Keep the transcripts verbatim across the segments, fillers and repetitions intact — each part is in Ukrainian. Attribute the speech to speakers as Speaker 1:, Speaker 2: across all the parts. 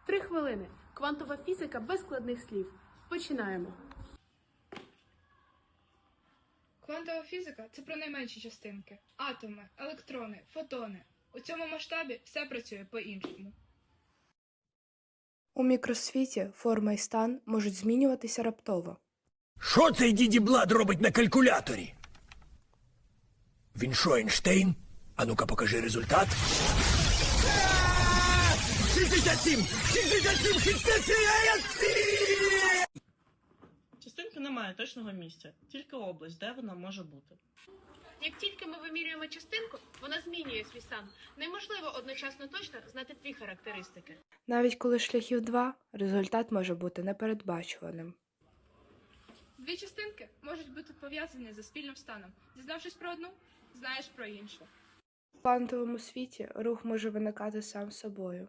Speaker 1: Три хвилини. Квантова фізика без складних слів. Починаємо.
Speaker 2: Квантова фізика – це про найменші частинки. Атоми, електрони, фотони. У цьому масштабі все працює по-іншому.
Speaker 3: У мікросвіті форма і стан можуть змінюватися раптово.
Speaker 4: Що цей діді Блад робить на калькуляторі? Він що, Ейнштейн? А ну-ка покажи результат. шістдесят сім! шістдесят сім! шістдесят сім!
Speaker 5: Частинка не має точного місця, тільки область, де вона може бути.
Speaker 1: Як тільки ми вимірюємо частинку, вона змінює свій стан. Неможливо одночасно точно знати дві характеристики.
Speaker 3: Навіть коли шляхів два, результат може бути непередбачуваним.
Speaker 2: Дві частинки можуть бути пов'язані за спільним станом. Дізнавшись про одну, знаєш про іншу.
Speaker 3: В квантовому світі рух може виникати сам собою.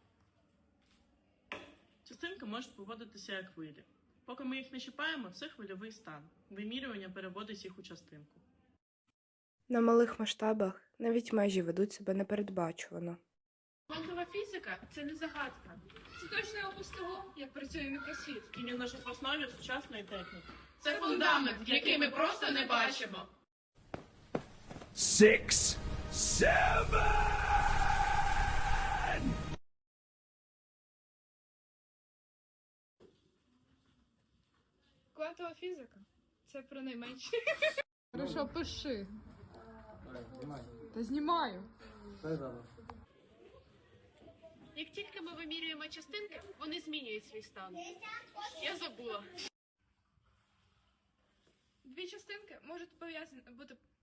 Speaker 5: Частинки можуть поводитися як хвилі. Поки ми їх не чіпаємо, це хвильовий стан. Вимірювання переводить їх у частинку.
Speaker 3: На малих масштабах навіть межі ведуть себе непередбачувано.
Speaker 1: Квантова фізика – це не загадка.
Speaker 2: Це точно опис того, як працює мікросвіт.
Speaker 5: І він лежить в основі сучасної техніки.
Speaker 1: Це фундамент, який ми просто не бачимо.
Speaker 4: Six, seven!
Speaker 2: Квантова фізика – це про найменші.
Speaker 6: Хорошо, пиши. Та знімаю.
Speaker 1: Як тільки ми вимірюємо частинки, вони змінюють свій стан. Я забула.
Speaker 2: Дві частинки можуть пов'язані бути